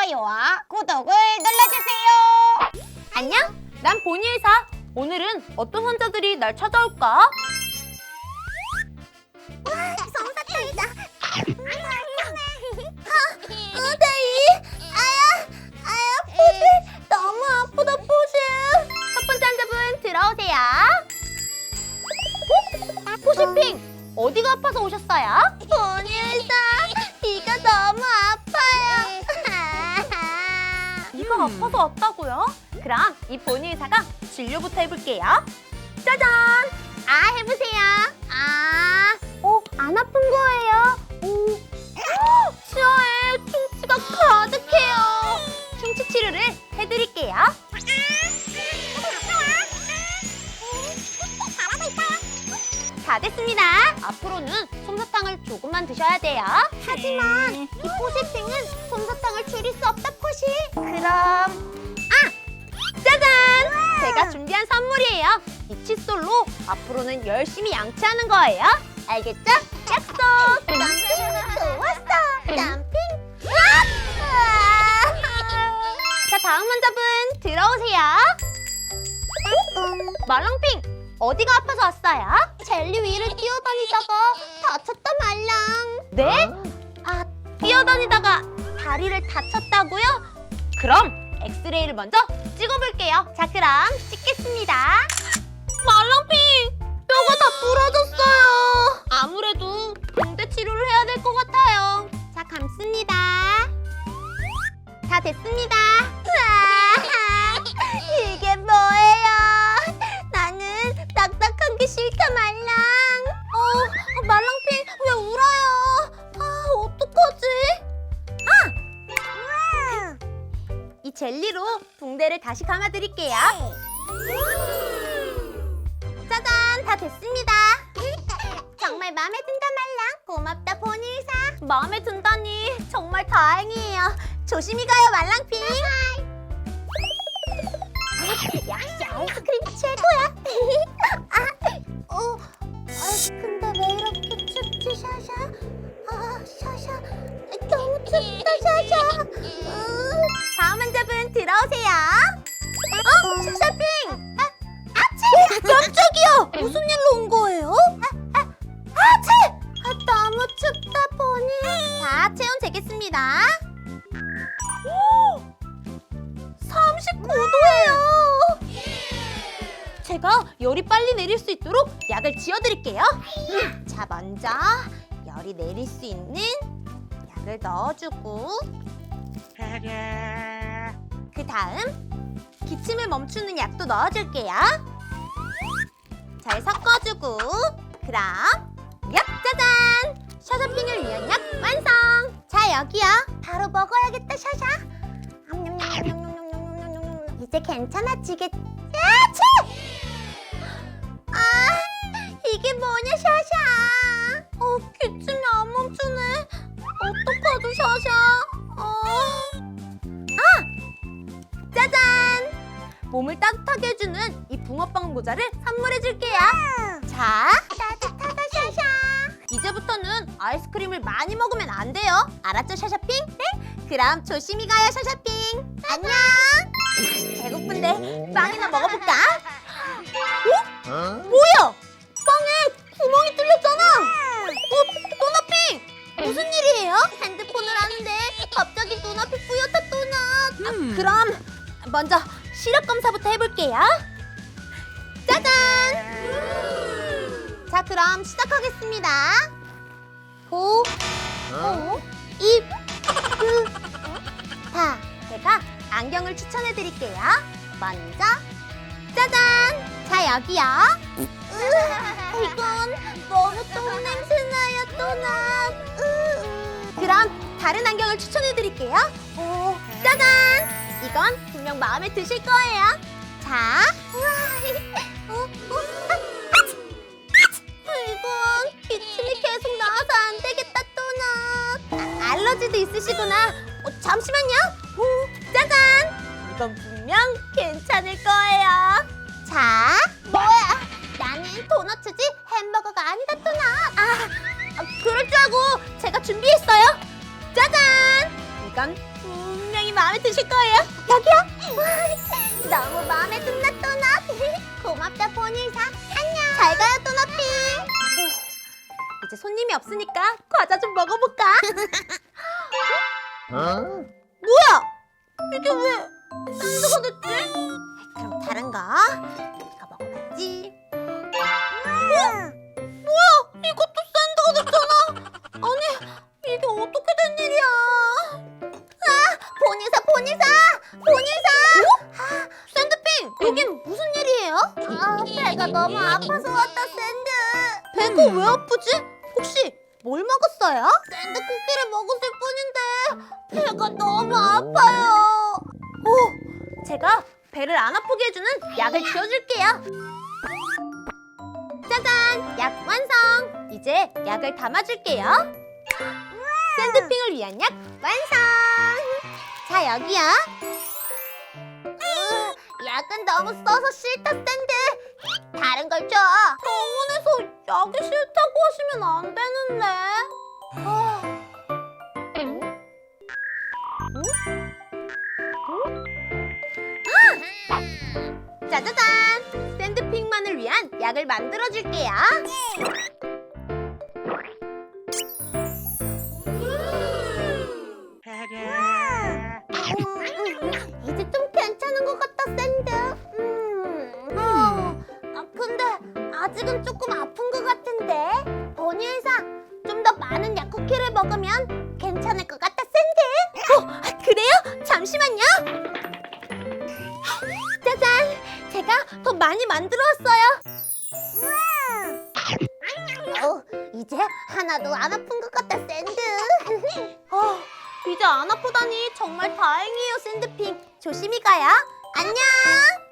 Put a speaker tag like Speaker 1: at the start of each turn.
Speaker 1: 좋아요와 구독을 눌러주세요.
Speaker 2: 안녕, 난 보니의사. 오늘은 어떤 환자들이 날 찾아올까?
Speaker 1: 솜사탕이다. 데이. 포시. 너무 아프다, 포시.
Speaker 2: 첫 번째 환자분 들어오세요. 포시핑, 어디가 아파서 오셨어요?
Speaker 1: 보니의사, 이가 너무 아파요.
Speaker 2: 이가 아파서 왔다고요? 그럼 이 보니의사가 진료부터 해볼게요. 짜잔! 해보세요. 안 아픈 거예요? 치아에 충치가 가득해요. 충치 치료를 해드릴게요. 다 됐습니다. 앞으로는 솜사탕을 조금만 드셔야 돼요.
Speaker 1: 하지만 이 포시핑은 솜사탕을 줄일 수 없다, 포시.
Speaker 2: 그럼 짜잔! 제가 준비한 선물이에요. 이 칫솔로 앞으로는 열심히 양치하는 거예요. 알겠죠? 약속!
Speaker 1: 좋았어. 땀핑.
Speaker 2: 자, 다음 환자분 들어오세요. 말랑핑, 어디가 아파서 왔어요?
Speaker 1: 젤리 위를 뛰어다니다가 다쳤다 말랑.
Speaker 2: 네? 뛰어다니다가 다리를 다쳤다고요? 그럼 엑스레이를 먼저 찍어볼게요. 자, 그럼 찍겠습니다. 말랑핑, 뼈가 다 부러졌어요. 아무래도 붕대 치료를 해야 될 것 같아요. 자, 감습니다. 다 됐습니다.
Speaker 1: 이게 뭐예요? 나는 딱딱한 게 싫다 말랑.
Speaker 2: 말랑핑, 왜 울어요? 어떡하지? 이 젤리로 붕대를 다시 감아드릴게요. 짜잔, 다 됐습니다.
Speaker 1: 정말 마음에 든다 말랑. 고맙다 보니의사.
Speaker 2: 마음에 든다니 정말 다행이에요. 조심히 가요, 말랑핑.
Speaker 1: 역시 아이스크림 최고야. 근데 왜 이렇게 춥지, 샤샤? 샤샤, 너무 춥다, 샤샤.
Speaker 2: 다음 환자분 들어오세요. 샤샤핑.
Speaker 1: 깜짝이야. 무슨 일로 온 거예요? 너무 춥다, 보니.
Speaker 2: 자, 체온 재겠습니다. 39도예요. 제가 열이 빨리 내릴 수 있도록 약을 지어드릴게요. 자, 먼저 열이 내릴 수 있는 약을 넣어주고, 그 다음 기침을 멈추는 약도 넣어줄게요. 잘 섞어주고, 그럼 짜잔! 샤샤핑을 위한 약 완성! 자, 여기요.
Speaker 1: 바로 먹어야겠다, 샤샤. 이제 괜찮아지겠지? 이게 뭐냐, 샤샤?
Speaker 2: 기침이 안 멈추네. 어떡하죠, 샤샤? 짜잔! 몸을 따뜻하게 해주는 이 붕어빵 모자를 선물해줄게요. 자,
Speaker 1: 따뜻하다, 샤샤.
Speaker 2: 이제부터는 아이스크림을 많이 먹으면 안 돼요. 알았죠, 샤샤핑? 네? 그럼 조심히 가요, 샤샤핑. 안녕. 배고픈데 빵이나 먹어볼까? 뭐야? 빵에 구멍이 뚫렸잖아. 또나핑, 무슨 일이에요?
Speaker 1: 핸드폰을 하는데 갑자기 눈앞이 뿌옇다, 또나.
Speaker 2: 그럼 먼저 시력 검사부터 해볼게요. 짜잔! 자, 그럼 시작하겠습니다. 호, 입, 다. 제가 안경을 추천해드릴게요. 먼저 짜잔! 자, 여기요.
Speaker 1: 이건 너무 똥 냄새나요, 또나.
Speaker 2: 그럼 다른 안경을 추천해드릴게요. 짜잔! 이건 분명 마음에 드실 거예요. 자,
Speaker 1: 이건 기침이 계속 나와서 안 되겠다, 또나.
Speaker 2: 알러지도 있으시구나. 잠시만요. 짜잔! 이건 분명 괜찮을 거예요. 자,
Speaker 1: 뭐야? 나는 도너츠지 햄버거가 아니다, 또나.
Speaker 2: 그럴 줄 알고 제가 준비했어요. 짜잔! 이건 분명히 마음에 드실 거예요.
Speaker 1: 여기요? 너무 마음에 든다 또넛. 고맙다 보니사. 안녕. 잘 가요 또넛핑.
Speaker 2: 이제 손님이 없으니까 과자 좀 먹어볼까? 뭐야? 이게 왜 샌드가 됐지? 그럼 다른 거 이거 먹어봐야지. 뭐야? 이것도 샌드가 됐잖아. 아니 이게 어떻게 된 일이야?
Speaker 1: 보니사.
Speaker 2: 샌드핑 여긴 무슨 일이에요?
Speaker 1: 배가 너무 아파서 왔다 샌드.
Speaker 2: 배가 왜 아프지? 혹시 뭘 먹었어요?
Speaker 1: 샌드 쿠키를 먹었을 뿐인데 배가 너무 아파요.
Speaker 2: 제가 배를 안 아프게 해주는 약을 지어줄게요. 짜잔! 약 완성! 이제 약을 담아줄게요. 샌드핑을 위한 약 완성! 자, 여기요.
Speaker 1: 약은 너무 써서 싫다 샌드. 다른 걸 줘.
Speaker 2: 병원에서 약이 싫다고 하시면 안 되는데. 짜자잔! 샌드핑만을 위한 약을 만들어줄게요.
Speaker 1: 이제 좀 괜찮은 것 같다 샌드. 근데 아직은 조금 아픈 것 같은데. 보니 의사, 좀 더 많은 약 쿠키를 먹으면 괜찮을 것 같다 샌드.
Speaker 2: 그래요? 잠시만요. 짜잔! 제가 더 많이 만들어 왔어요.
Speaker 1: 이제 하나도 안 아픈 것 같다 샌드.
Speaker 2: 이제 안 아프다니 정말 다행이에요, 샌드핑. 조심히 가요.
Speaker 1: 안녕.